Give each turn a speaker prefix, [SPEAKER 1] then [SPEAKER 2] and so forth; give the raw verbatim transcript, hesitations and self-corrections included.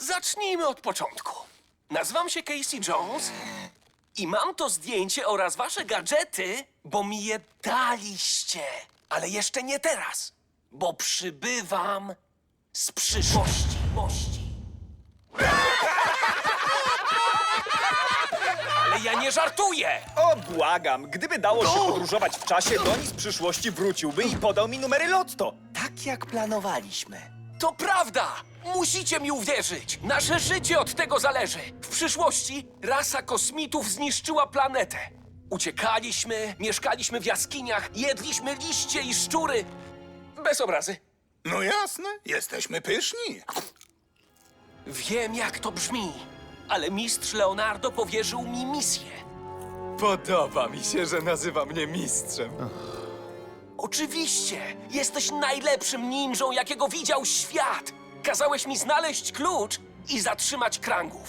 [SPEAKER 1] Zacznijmy od początku. Nazywam się Casey Jones i mam to zdjęcie oraz wasze gadżety, bo mi je daliście. Ale jeszcze nie teraz, bo przybywam z przyszłości. Mości. Ale ja nie żartuję!
[SPEAKER 2] O, błagam, gdyby dało się podróżować w czasie, Doni z przyszłości wróciłby i podał mi numery lotto.
[SPEAKER 3] Tak jak planowaliśmy.
[SPEAKER 1] To prawda! Musicie mi uwierzyć! Nasze życie od tego zależy! W przyszłości rasa kosmitów zniszczyła planetę. Uciekaliśmy, mieszkaliśmy w jaskiniach, jedliśmy liście i szczury. Bez obrazy.
[SPEAKER 4] No jasne, jesteśmy pyszni.
[SPEAKER 1] Wiem, jak to brzmi, ale mistrz Leonardo powierzył mi misję.
[SPEAKER 5] Podoba mi się, że nazywa mnie mistrzem.
[SPEAKER 1] Oczywiście! Jesteś najlepszym ninją, jakiego widział świat! Kazałeś mi znaleźć klucz i zatrzymać krangów.